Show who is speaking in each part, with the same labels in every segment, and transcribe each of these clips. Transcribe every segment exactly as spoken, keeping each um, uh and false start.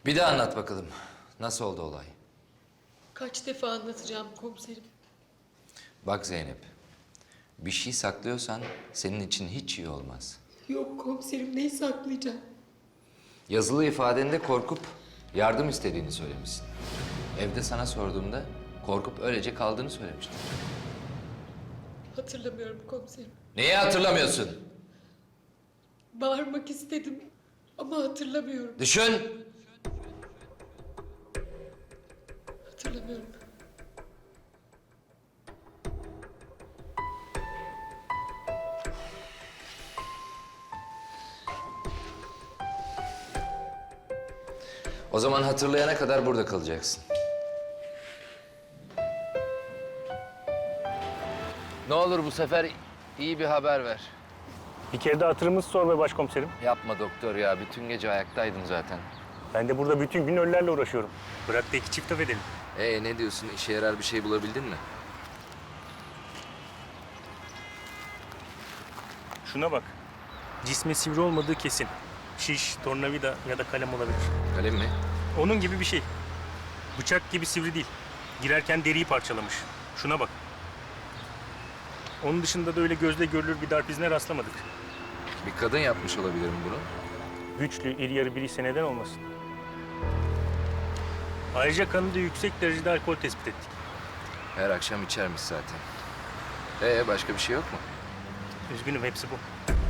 Speaker 1: Bir daha anlat bakalım. Nasıl oldu olay?
Speaker 2: Kaç defa anlatacağım komiserim?
Speaker 1: Bak Zeynep, bir şey saklıyorsan senin için hiç iyi olmaz.
Speaker 2: Yok komiserim, neyi saklayacağım?
Speaker 1: Yazılı ifadende korkup yardım istediğini söylemişsin. Evde sana sorduğumda korkup öylece kaldığını söylemiştin.
Speaker 2: Hatırlamıyorum komiserim.
Speaker 1: Neyi hatırlamıyorsun?
Speaker 2: Bağırmak istedim ama hatırlamıyorum.
Speaker 1: Düşün.
Speaker 2: Hatırlamıyorum.
Speaker 1: O zaman hatırlayana kadar burada kalacaksın. Ne olur bu sefer iyi bir haber ver.
Speaker 3: Bir kere de hatırımızı sor be başkomiserim.
Speaker 1: Yapma doktor ya. Bütün gece ayaktaydım zaten.
Speaker 3: Ben de burada bütün gün ölülerle uğraşıyorum. Bırak da iki çift laf edelim.
Speaker 1: Ee ne diyorsun? İşe yarar bir şey bulabildin mi?
Speaker 3: Şuna bak. Cismi sivri olmadığı kesin. Şiş, tornavida ya da kalem olabilir.
Speaker 1: Kalem mi?
Speaker 3: Onun gibi bir şey. Bıçak gibi sivri değil. Girerken deriyi parçalamış. Şuna bak. Onun dışında da öyle gözle görülür bir darp izine rastlamadık.
Speaker 1: Bir kadın yapmış olabilir mi bunu?
Speaker 3: Güçlü, iri yarı biriyse neden olmasın? Ayrıca kanında yüksek derecede alkol tespit ettik.
Speaker 1: Her akşam içermiş zaten. Ee başka bir şey yok mu?
Speaker 3: Üzgünüm, hepsi bu.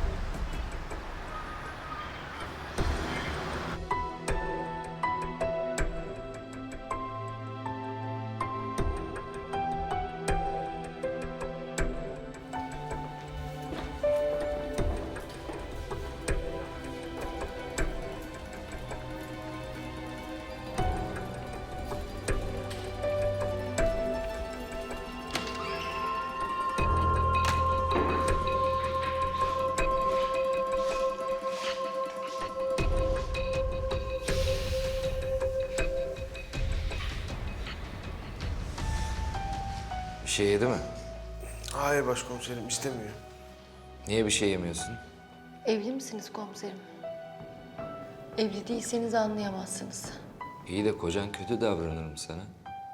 Speaker 1: Bir şey yedi mi?
Speaker 4: Hayır başkomiserim, istemiyor.
Speaker 1: Niye bir şey yemiyorsun?
Speaker 5: Evli misiniz komiserim? Evli değilseniz anlayamazsınız.
Speaker 1: İyi de kocan kötü davranır mı sana?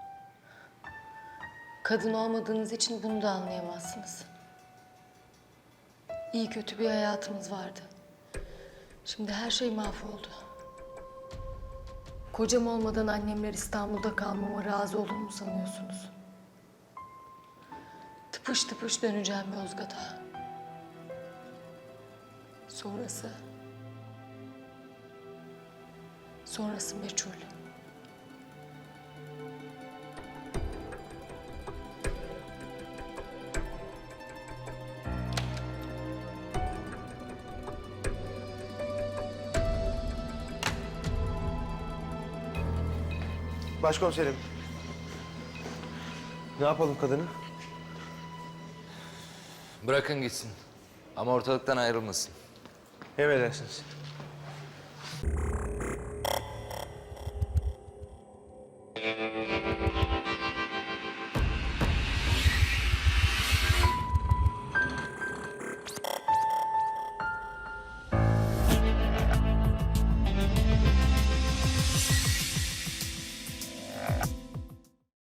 Speaker 5: Kadın olmadığınız için bunu da anlayamazsınız. İyi kötü bir hayatımız vardı. Şimdi her şey mahvoldu. Kocam olmadan annemler İstanbul'da kalmama razı olur mu sanıyorsunuz? Tıpış tıpış döneceğim Yozgat'a. Sonrası... Sonrası meçhul.
Speaker 4: Başkomiserim. Ne yapalım kadını?
Speaker 1: Bırakın gitsin. Ama ortalıktan ayrılmasın.
Speaker 4: Emredersiniz.